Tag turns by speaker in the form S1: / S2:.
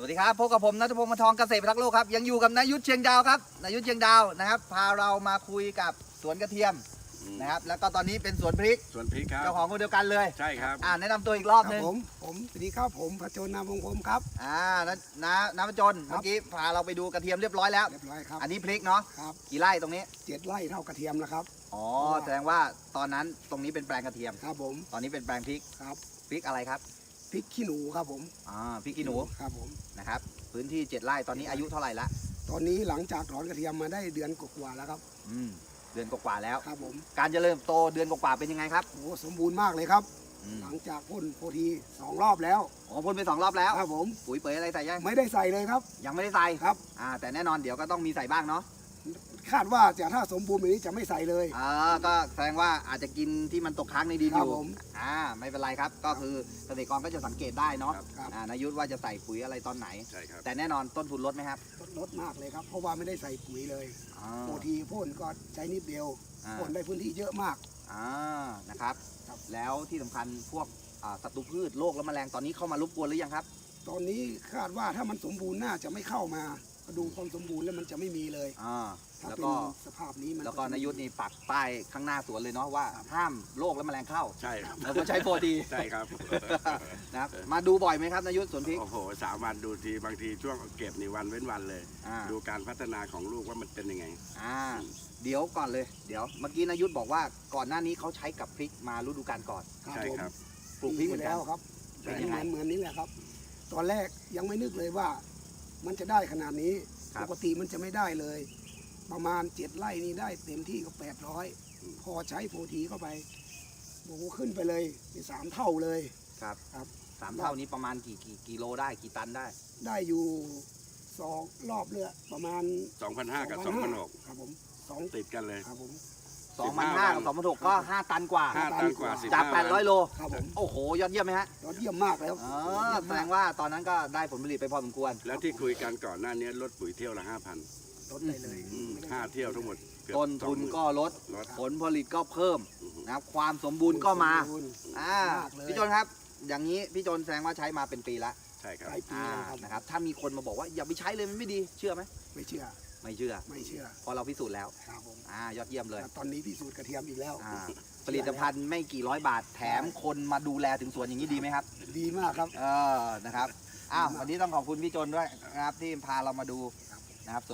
S1: วัสดีครับพบกับผมณัฐพงศ์ มนทองเกษตรรักโลกครับยังอยู่กับนายุทธเชียงดาวครับนายุทธเชียงดาวนะครับพาเรามาคุยกับสวนกระเทียมนะครับแล้วก็ตอนนี้เป็นสวนพริก
S2: ครับ
S1: เจ้าของคนเดียวกันเลย
S2: ใช่ครับ
S1: แนะนำตัวอีกรอบนึง
S3: ผมสวัสดีครับผมพจนนามวงศ์ผมครับ
S1: น้ำจนเมื่อกี้พาเราไปดูกระเทียมเรียบร้อยแล้ว
S3: ครับ
S1: อันนี้พริกเนาะ
S3: ครับ
S1: กี่ไร่ตรงนี้
S3: 7 ไร่เท่ากระเทียมแล้วครับ
S1: อ๋อแสดงว่าตอนนั้นตรงนี้เป็นแปลงกระเทียม
S3: ครับผม
S1: ตอนนี้เป็นแปลงพริก
S3: ครับ
S1: พริกอะไรครับ
S3: พริกขี้หนูครับผม
S1: พริกขี้หนู
S3: ครับผม
S1: นะครับพื้นที่7 ไร่ตอนนี้อายุเท่าไหร่ละ
S3: ตอนนี้หลังจากถอนกระเทียมมาได้เดือนกว่าแล้วครับ
S1: เดือนกว่าแล้ว
S3: ครับผม
S1: การเจริญโตเดือนกว่าเป็นยังไงครับ
S3: โอ้สมบูรณ์มากเลยครับหลังจากพ่นโพธี2 รอบแล้ว
S1: พ่นไป2 รอบแล้ว
S3: ครับผม
S1: ปุ๋ยเป๋ยอะไรใส่ยัง
S3: ไม่ได้ใส่เลยครับ
S1: ยังไม่ได้ใส่
S3: ครับ
S1: แต่แน่นอนเดี๋ยวก็ต้องมีใส่บ้างเนาะ
S3: คาดว่าถ้าสมบูรณ์แบบนี้จะไม่ใส่เลย
S1: ก็แสดงว่าอาจจะกินที่มันตกค้างในดินอยู่
S3: ผม
S1: ไม่เป็นไรครับก็คือเกษตรกรก็จะสังเกตได้เนาะนายุทธว่าจะใส่ปุ๋ยอะไรตอนไหน
S2: ใช่ครับ
S1: แต่แน่นอนต้นทุนลดไหมครับ
S3: ลดมากเลยครับเพราะว่าไม่ได้ใส่ปุ๋ยเลยโพธีพ่นก็ใช้นิดเดียวพ่นได้พื้นที่เยอะมาก
S1: นะครับแล้วที่สำคัญพวกศัตรูพืชโรคและแมลงตอนนี้เข้ามารบกวนหรือยังครับ
S3: ตอนนี้คาดว่าถ้ามันสมบูรณ์น่าจะไม่เข้ามาดูความสมบูรณ์แล้วมันจะไม่มีเลย
S1: แล้วก็
S3: สภาพนี้มัน
S1: แล้วก็นายุทธนี่ปักป้ายข้างหน้าสวนเลยเนาะว่าห้ามโรคและแมลงเข้า
S2: ใช่ครับ
S1: แล้วก็ใช้โปรตี
S2: ใช่ครับ
S1: นะครับมาดูบ่อยไหมครับนายุทธสวนพริก
S2: โอ้โห3 วันดูทีบางทีช่วงเก็บนี่วันเว้นวันเลยดูการพัฒนาของลูกว่ามันเป็นยังไง
S1: เดี๋ยวก่อนเลยเดี๋ยวเมื่อกี้นายุทธบอกว่าก่อนหน้านี้เขาใช้กับพริกมาฤดูกาลก่อน
S2: ใช่ครับ
S3: ปลูกพริกมาแล้วครับเป็นเหมือนนี้แหละครับตอนแรกยังไม่นึกเลยว่ามันจะได้ขนาดนี้ปกติมันจะไม่ได้เลยประมาณ7 ไร่นี่ได้เต็มที่ก็800พอใช้โพธีเข้าไปโอ้โหขึ้นไปเลยเป็น3 เท่าเลย
S1: ครับ3 เท่านี้ประมาณกี่กิโลได้กี่ตัน
S3: ได้อยู่2 รอบเรือประมาณ
S2: 2,500 กับ 2,600
S3: ครับผม
S2: ติดกันเลย
S3: ครับผม
S1: 2,500 กับ 2,600 ก็5 ตันกว่าจาก800 โล
S3: ครับผม
S1: โอ้โหยอดเยี่ยมไหมฮะ
S3: ยอดเยี่ยมมากแล้ว
S1: แสดงว่าตอนนั้นก็ได้ผลผลิตไปพอสมควร
S2: แล้วที่คุยกันก่อนหน้านี้ลดปุ๋ยเที่ยวละ 5,000
S3: ลดได้เลย
S2: 5 เที่ยวทั้งหมด
S1: ต้นทุนก็ลดผลผลิตก็เพิ่มนะครับความสมบูรณ์ก็มาพี่จนครับอย่างนี้พี่จนแสดงว่าใช้มาเป็นปีละ
S2: ใช่ครับ
S1: นะครับถ้ามีคนมาบอกว่าอย่าไปใช้เลยมันไม่ดีเชื่อไหม
S3: ไม่เชื่อ
S1: พอเราพิสูจน์แล้วยอดเยี่ยมเลย
S3: ตอนนี้พิสูจน์กระเทียมอีกแล้ว
S1: ผลิตภัณฑ์ไม่กี่ร้อยบาทแถมคนมาดูแลถึงสวนอย่างนี้ดีไหมครับ
S3: ดีมากครับ
S1: นะครับวันนี้ต้องขอบคุณพี่จนด้วยนะครับที่พาเรามาดูนะครับ